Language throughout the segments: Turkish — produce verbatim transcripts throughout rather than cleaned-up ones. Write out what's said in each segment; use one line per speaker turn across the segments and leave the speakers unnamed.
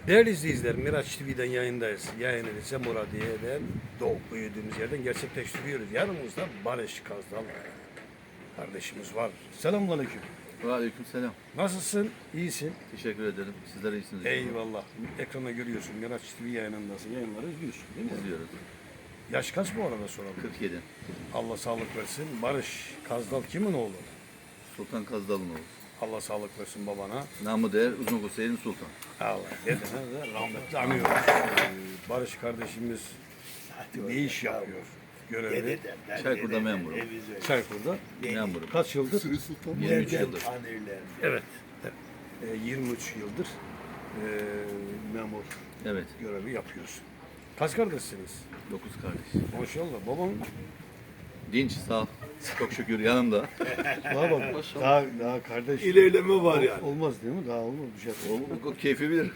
Değerli izleyiciler, Miraç T V'den yayındayız. Yayını Rize Muradiye'den doğup büyüdüğümüz yerden gerçekleştiriyoruz. Yanımızda Barış Kazdal kardeşimiz var. Selamünaleyküm.
Aleykümselam.
Nasılsın? İyisin?
Teşekkür ederim. Sizler iyisiniz.
Eyvallah. Ekranda görüyorsun. Miraç T V yayınındasın. Yayınları izliyorsun değil mi?
İzliyoruz.
Yaş kaç bu arada soralım.
kırk yedi.
Allah sağlık versin. Barış Kazdal kimin oğlu?
Sultan Kazdal'ın oğlu.
Allah sağlık versin babana.
Namı değer Uzun Hüseyin Sultan.
Allah dedene de rahmetli anıyoruz. Ee, Barış kardeşimiz ne iş yapıyor? Görevi.
Çaykur'da memuru.
Çaykur'da.
Memurum.
Kaç yıldır?
yirmi üç yıldır.
Evet. evet. Ee, yirmi üç yıldır e, memur
Evet.
görevi yapıyorsun. Kaç kardeşsiniz?
dokuz kardeş.
Maşallah. Babam
Dinç, sağ. Çok şükür yanımda.
daha bak. Daha, daha kardeş.
İlerleme var yani.
Olmaz değil mi? Daha olmaz bir şey.
O, o keyfi bilir.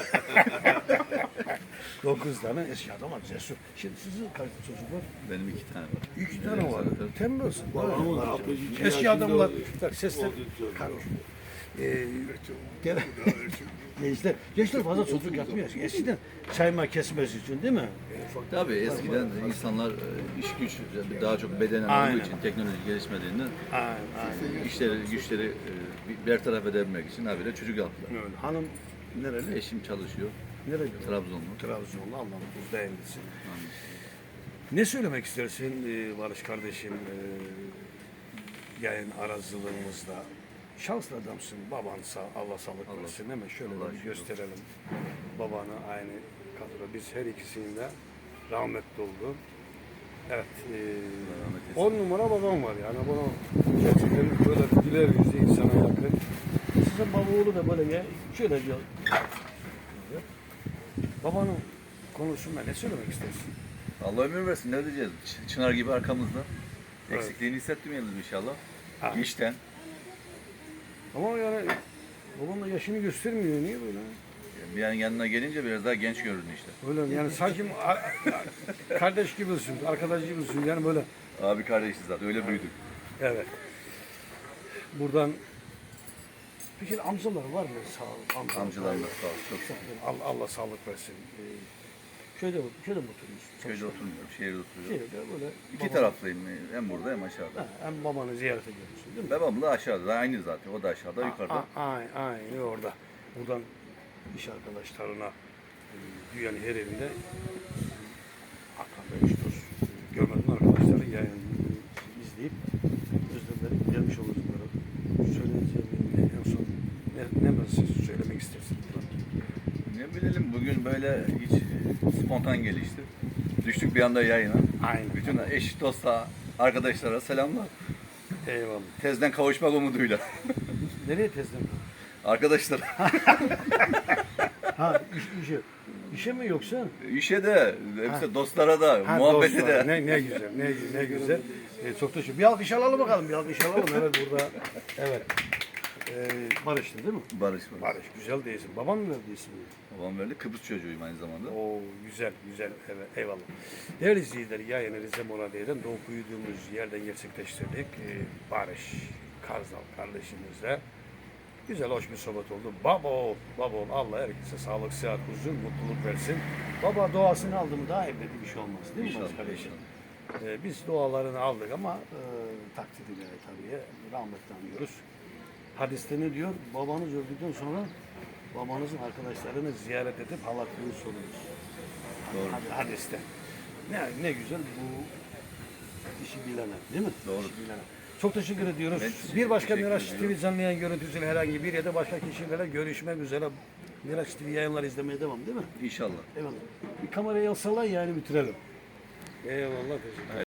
Dokuz tane eski adam var. Cesur. Şimdi sizin kaç çocuk var?
Benim iki tane var.
İki tane var.
Tabii.
Tembelsin.
Babamın
Var.
altmış iki
Eski
yaşında
adamlar.
oldu.
Bak sesler.
Oldu, oldu.
Karış. Ee, gene- gençler, gençler fazla çocuk yapmıyor. Eskiden sayma kesmesi için değil mi?
Tabii eskiden insanlar e, iş güç daha çok bedenen
Aynen.
olduğu için teknoloji gelişmediğinden
Aynen, aynen.
işleri güçleri e, bertaraf edebilmek için habire çocuk yaptılar.
Öyle. Hanım nereli?
Eşim çalışıyor.
Nereli?
Trabzonlu.
Trabzonlu. Allah'ın buzda evlisin. Ne söylemek istersin e, Barış kardeşim e, yayın aracılığımızda? Şanslı adamsın. Baban sağ, Allah sağlık
Allah-
versin değil mi? Şöyle
Allah
bir
şükür.
gösterelim. Babanı aynı kadro. Biz her ikisinin de rahmetli oldu. Evet. E,
rahmet eylesin.
on numara babam var yani. Bunu gerçekten böyle bir güler yüzlü insana yakın. Sizin baba oğlu da böyle ya, şöyle bir babanın konusunda ne söylemek istersin?
Allah ömür versin, ne diyeceğiz? Ç- Çınar gibi arkamızda.
Evet.
Eksikliğini hissetmeyelim inşallah.
Ha.
İşten.
Ama yani babam da yaşını göstermiyor. Niye böyle?
Bir an yanına gelince biraz daha genç görünüyor işte.
Öyle yani sanki a- a- kardeş gibisin, arkadaş gibisin yani böyle.
Abi kardeşiz zaten, öyle büyüdük.
Evet. Buradan peki amcalar var mı? Sağ ol. Amcalar.
Amcalarımız sağ ol, çok sağ ol.
Allah, Allah sağlık versin. Ee, köyde, köyde mi oturuyorsun?
Köyde oturmuyorum, şehirde oturuyorum.
Şehirde böyle.
İki
baba-
taraflıyım, hem burada hem aşağıda.
Ha, hem babanı ziyarete geliyorsun değil mi?
Babam da aşağıda, aynı zaten. O da aşağıda, yukarıda.
Aynen, aynen orada. Buradan iş arkadaşlarına e, dünyanın her yerinde Hakan Bey, dost, görmediğin arkadaşları yayın izleyip özlemleri gelmiş olacakları. Söyleyeceğim en son ne, ne mesaj söylemek istersin?
Ne bilelim, bugün böyle hiç e, spontan gelişti. Düştük bir anda yayına.
Aynen.
Bütün eş, dosta, arkadaşlara selamlar.
Eyvallah.
Tezden kavuşmak umuduyla.
Nereye tezden?
Arkadaşlar,
Ha iş, işe. İşe mi yoksa?
işe de, hepsi dostlara da,
Ha,
muhabbete
dostlar.
de.
Ne, ne güzel, ne, ne güzel. Ee, çok teşekkür. Bir alkış alalım bakalım, bir alkış alalım. Evet burada. Evet. Ee, Barış'tı değil mi?
Barış var.
Barış, güzel değilsin. Baban mı verdi ismini?
Babam böyle Kıbrıs çocuğuyum aynı zamanda.
Oo, güzel, güzel. Evet, eyvallah. Değerli izleyiciler, yayını Rize Moradiye'den doğup büyüdüğümüz yerden gerçekleştirdik. Ee, Barış Karzal kardeşimizle. Güzel, hoş bir sohbet oldu. Babo, babo, Allah herkese sağlık, sıhhat, huzur, mutluluk versin. Baba duasını aldı mı daha evde bir şey olmaz değil mi
İnşallah,
Barış kardeşim?
inşallah.
Ee, biz dualarını aldık ama e, takdiriyle tabii rahmetle anıyoruz. Hadiste ne diyor? Babanız öldükten sonra babanızın arkadaşlarını ziyaret edip halaklığını sorunuz.
Doğru.
Had- Hadiste. Ne, ne güzel bu işi bilene değil mi?
Doğru.
İşi bilene. Çok teşekkür ediyoruz.
Ben teşekkür-
bir başka
teşekkür
Miraç T
ediyorum.
V canlı yayın görüntüsüyle herhangi bir yerde başka kişilerle görüşmek üzere. Miraç T V yayınlar izlemeye devam değil mi?
İnşallah.
Eyvallah. Bir kamerayı alsalar yani bitirelim. Eyvallah. Teşekkür ederim.